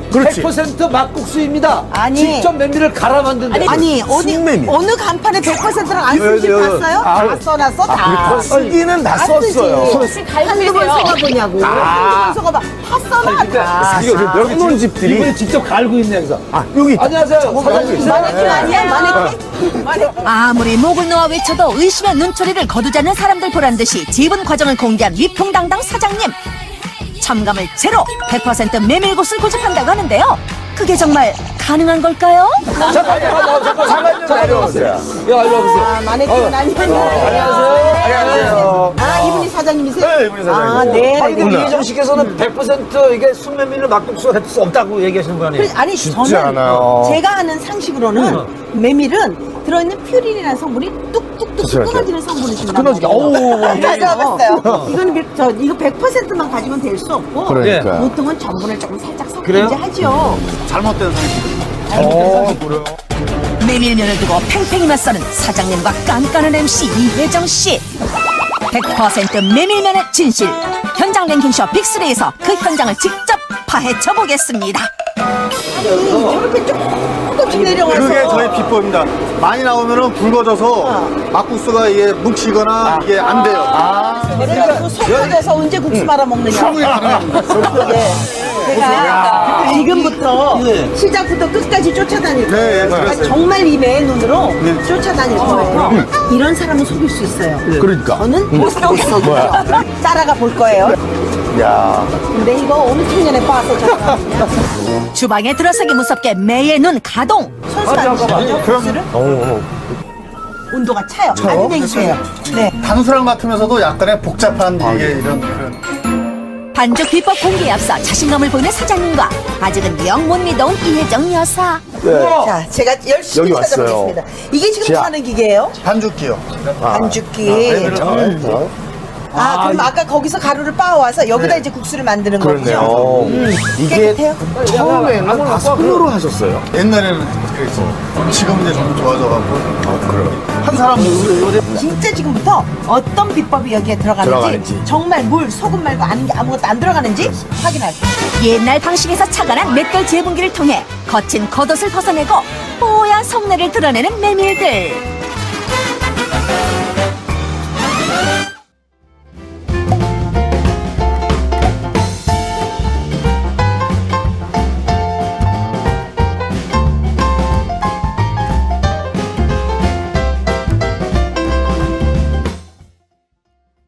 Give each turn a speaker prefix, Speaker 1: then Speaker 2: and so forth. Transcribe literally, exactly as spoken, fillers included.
Speaker 1: 그렇지.
Speaker 2: 백 퍼센트 막국수입니다.
Speaker 3: 아니.
Speaker 2: 직접 메밀을 갈아 만든.
Speaker 3: 아니, 아니 어디
Speaker 1: 신메밀.
Speaker 3: 어느 간판에 백 퍼센트랑 안
Speaker 1: 여,
Speaker 3: 쓴지
Speaker 1: 여, 여.
Speaker 3: 봤어요?
Speaker 1: 아,
Speaker 3: 다 써놨어 다.
Speaker 1: 쓰기는 다
Speaker 3: 쓰지.
Speaker 1: 썼어요.
Speaker 3: 한두 번 써가보냐고. 한두 번 써가봐. 다 써놨다.
Speaker 2: 이거 여기
Speaker 1: 써놓은 집들이.
Speaker 2: 이분이 직접 갈고 있네 여기서.
Speaker 1: 아, 여기.
Speaker 2: 안녕하세요. 사장님.
Speaker 3: 마네킹 아니야? 마네킹? 마네킹.
Speaker 4: 아무리 목을 놓아 외쳐도 의심의 눈초리를 거두자는 사람들 보란 듯이 지분 과정을 공개한 위풍당당 사장님. 첨가물 제로, 백 퍼센트 메밀국수를 고집한다고 하는데요. 그게 정말 가능한 걸까요?
Speaker 2: 잠깐, 잠깐, 잠깐, 잠깐, 잠깐 내려오세요. 야, 이리 와보세요.
Speaker 3: 아, 마네킹은 아니야.
Speaker 2: 안녕하세요. 안녕하세요.
Speaker 3: 아, 이분이 사장님이세요?
Speaker 1: 네, 이분이 사장님.
Speaker 3: 아, 네.
Speaker 2: 아니,
Speaker 3: 네.
Speaker 2: 근데 이혜정 씨께서는 백 퍼센트 이게 순메밀로 막국수 할 수 없다고 얘기하시는 거 아니에요?
Speaker 3: 그, 아니,
Speaker 1: 쉽지
Speaker 3: 저는
Speaker 1: 않아요.
Speaker 3: 제가 아는 상식으로는 메밀은 들어있는 퓨린이라는 성분이 뚝뚝뚝
Speaker 1: 그렇죠.
Speaker 3: 끊어지는 성분이 좀
Speaker 1: 끊어지게.
Speaker 3: 나와요.
Speaker 1: 어우.
Speaker 3: 찾아봤어요. 이거는 백- 저 이거 백 퍼센트만 가지면 될 수 없고
Speaker 1: 그러니까.
Speaker 3: 보통은 전분을 조금 살짝
Speaker 2: 그래요?
Speaker 3: 섞든지 하죠.
Speaker 1: 잘못된 상식.
Speaker 4: 메밀면을 두고 팽팽히만 써는 사장님과 깐깐한 엠씨 이혜정 씨. 백 퍼센트 메밀면의 진실. 현장 랭킹쇼 빅쓰리에서 그 현장을 직접 파헤쳐 보겠습니다.
Speaker 3: 저렇게 조금씩 내려와서
Speaker 5: 그게 저희 비법입니다. 많이 나오면은 굵어져서 막국수가 이게 뭉치거나 이게 안 돼요.
Speaker 3: 그래가지고 속아져서 언제 국수 말아 먹느냐. 네. 제가 지금부터 시작부터 끝까지 쫓아다닐 거예요.
Speaker 5: 네, 네,
Speaker 3: 제가
Speaker 5: 그랬어요.
Speaker 3: 정말 이 매의 눈으로 쫓아다닐 거예요. 이런 사람은 속일 수 있어요.
Speaker 1: 그러니까.
Speaker 3: 저는 못 속여요. 따라가 볼 거예요.
Speaker 1: 야.
Speaker 3: 근데 이거 엄청 전에 봐서 잠깐만요.
Speaker 4: 주방에 들어서기 무섭게 매의 눈 가동.
Speaker 3: 선수 안 주시죠? 국수를? 온도가 차요. 안되세요 네.
Speaker 5: 단순한 것 같으면서도 약간의 복잡한 이게 이런 그런.
Speaker 4: 반죽 비법 공개에 앞서 자신감을 보이는 사장님과 아직은 영 못 믿어온 이혜정 여사.
Speaker 3: 자, 제가 열심히
Speaker 1: 여기 왔어요.
Speaker 3: 찾아보겠습니다. 이게 지금
Speaker 1: 자.
Speaker 3: 하는 기계예요?
Speaker 5: 반죽기요.
Speaker 3: 반죽기.
Speaker 1: 어?
Speaker 3: 아, 그럼 아까 거기서 가루를 빻아와서 여기다 이제 국수를 만드는
Speaker 1: 그렇네요.
Speaker 3: 거군요. 음,
Speaker 1: 이게
Speaker 3: 깨끗해요?
Speaker 1: 처음에는 다 손으로 하셨어요.
Speaker 5: 옛날에는 그랬어. 지금 이제 좀 좋아져가지고.
Speaker 1: 아, 그래요.
Speaker 5: 한 사람
Speaker 3: 진짜 지금부터 어떤 비법이 여기에 들어가는지,
Speaker 1: 들어가는지.
Speaker 3: 정말 물, 소금 말고 아는 게 아무것도 안 들어가는지 확인할게요.
Speaker 4: 옛날 방식에서 착안한 맷돌 재분기를 통해 거친 겉옷을 벗어내고 뽀얀 속내를 드러내는 메밀들.